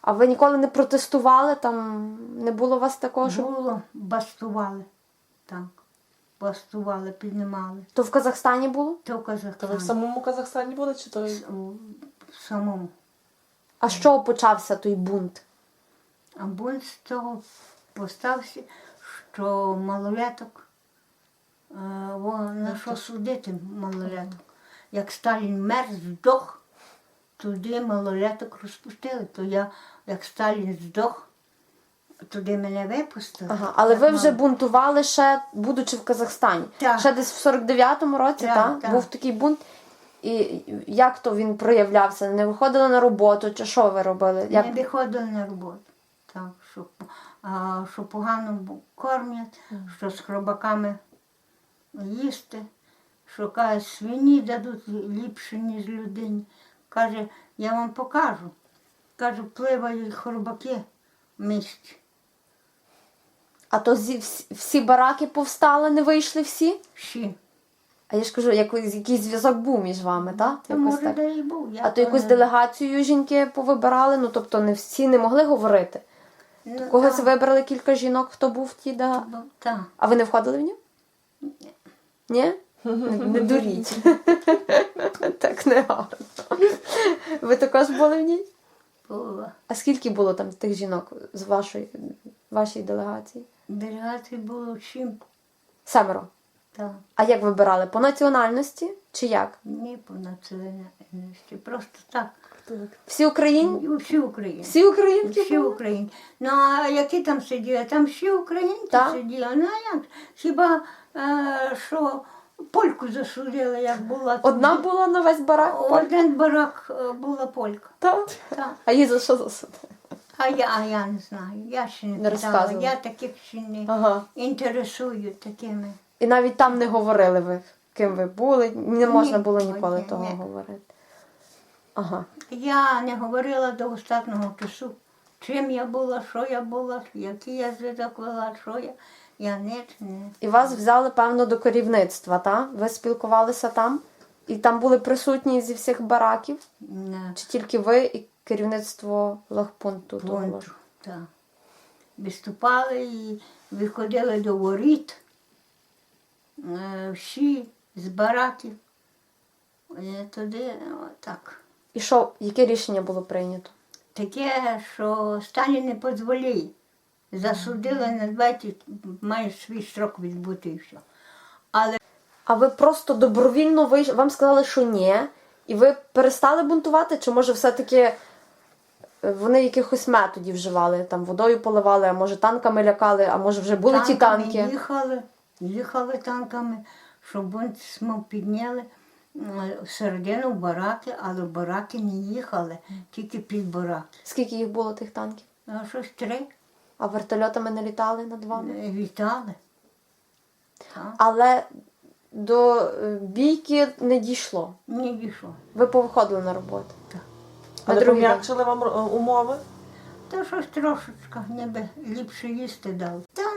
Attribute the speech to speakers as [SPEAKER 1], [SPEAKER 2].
[SPEAKER 1] А ви ніколи не протестували? Там не було у вас такого, що...
[SPEAKER 2] Було, бастували. Так. Бастували, піднімали.
[SPEAKER 1] То в Казахстані було?
[SPEAKER 2] То в
[SPEAKER 3] То ви в
[SPEAKER 2] Казахстані.
[SPEAKER 3] самому Казахстані були, чи то?
[SPEAKER 2] В самому.
[SPEAKER 1] А з чого почався той бунт?
[SPEAKER 2] А бунт з того постався, що малолеток, на що судити малолеток. Як Сталін мер, здох, туди малолеток розпустили. То я, як Сталін здох, туди мене випустили.
[SPEAKER 1] Ага, але ви вже бунтували ще, будучи в Казахстані.
[SPEAKER 2] Так.
[SPEAKER 1] Ще десь в 49-му році,
[SPEAKER 2] Так,
[SPEAKER 1] так?
[SPEAKER 2] так.
[SPEAKER 1] Був такий бунт. І як то він проявлявся? Не виходили на роботу, чи що ви робили? Як...
[SPEAKER 2] Не виходили на роботу. Так, що погано кормять, що з хробаками їсти, що каже, свині дадуть ліпше, ніж людині. Каже, я вам покажу. Каже, пливають хробаки в місті.
[SPEAKER 1] А то всі бараки повстали, не вийшли всі?
[SPEAKER 2] Всі.
[SPEAKER 1] А я ж кажу, якийсь зв'язок був між вами, так?
[SPEAKER 2] Та може, де і був.
[SPEAKER 1] А то якусь делегацію жінки повибирали, ну тобто не всі не могли говорити.
[SPEAKER 2] Ну,
[SPEAKER 1] Когось
[SPEAKER 2] так.
[SPEAKER 1] вибрали кілька жінок, хто був в ті,
[SPEAKER 2] Так.
[SPEAKER 1] А ви не входили в нього? Ні? Не дуріть. Так не гарно. Ви також були в ній?
[SPEAKER 2] Була.
[SPEAKER 1] А скільки було там тих жінок з вашої делегації?
[SPEAKER 2] Делегацій було 7.
[SPEAKER 1] 7.
[SPEAKER 2] Так.
[SPEAKER 1] А як вибирали? По національності чи як?
[SPEAKER 2] Не по національності, просто так.
[SPEAKER 1] Всі українці?
[SPEAKER 2] Всі українці.
[SPEAKER 1] Всі українки
[SPEAKER 2] Всі
[SPEAKER 1] були?
[SPEAKER 2] українці. Ну, а які там сиділи? Там всі українці
[SPEAKER 1] Так.
[SPEAKER 2] сиділи. Ну, а як? Хіба, що польку засудили, як була.
[SPEAKER 1] Одна
[SPEAKER 2] туди.
[SPEAKER 1] була на весь барак?
[SPEAKER 2] Один барак була полька.
[SPEAKER 1] Так.
[SPEAKER 2] Так.
[SPEAKER 1] А її за що засудили?
[SPEAKER 2] А я не знаю, я ще не
[SPEAKER 1] Не
[SPEAKER 2] питала.
[SPEAKER 1] розказувала.
[SPEAKER 2] Я таких ще не
[SPEAKER 1] Ага.
[SPEAKER 2] інтересую такими.
[SPEAKER 1] І навіть там не говорили ви, ким ви були, не можна було
[SPEAKER 2] Ні,
[SPEAKER 1] ніколи
[SPEAKER 2] ні,
[SPEAKER 1] того
[SPEAKER 2] ні.
[SPEAKER 1] говорити. Ага.
[SPEAKER 2] Я не говорила до останнього часу, чим я була, що я була, який я зв'язок вела, що я. Я не.
[SPEAKER 1] І вас взяли, певно, до керівництва, так? Ви спілкувалися там? І там були присутні зі всіх бараків?
[SPEAKER 2] Не.
[SPEAKER 1] Чи тільки ви і керівництво лагпункту? того?
[SPEAKER 2] Пункту, так. Виступали і виходили до воріт, всі з бараків. І туди, так.
[SPEAKER 1] І що, яке рішення було прийнято?
[SPEAKER 2] Таке, що Сталін не дозволяє. Засудили на 20, має свій строк відбути і все. Але
[SPEAKER 1] А ви просто добровільно вийшли, вам сказали, що ні, і ви перестали бунтувати? Чи може все-таки вони якихось методів вживали? Там водою поливали, а може танками лякали, а може вже були ті танки?
[SPEAKER 2] Їхали танками, щоб бунт підняли всередину в бараки, але в бараки не їхали, тільки під бараки.
[SPEAKER 1] Скільки їх було тих танків?
[SPEAKER 2] А щось 3
[SPEAKER 1] А вертольотами не літали над вами?
[SPEAKER 2] вітали. Так.
[SPEAKER 1] Але до бійки не дійшло.
[SPEAKER 2] Не дійшло.
[SPEAKER 1] Ви повиходили на роботу.
[SPEAKER 2] Так.
[SPEAKER 1] На
[SPEAKER 3] Але
[SPEAKER 1] другий день.
[SPEAKER 3] пом'якшили вам умови?
[SPEAKER 2] Та щось трошечка, ніби ліпше їсти дали. Та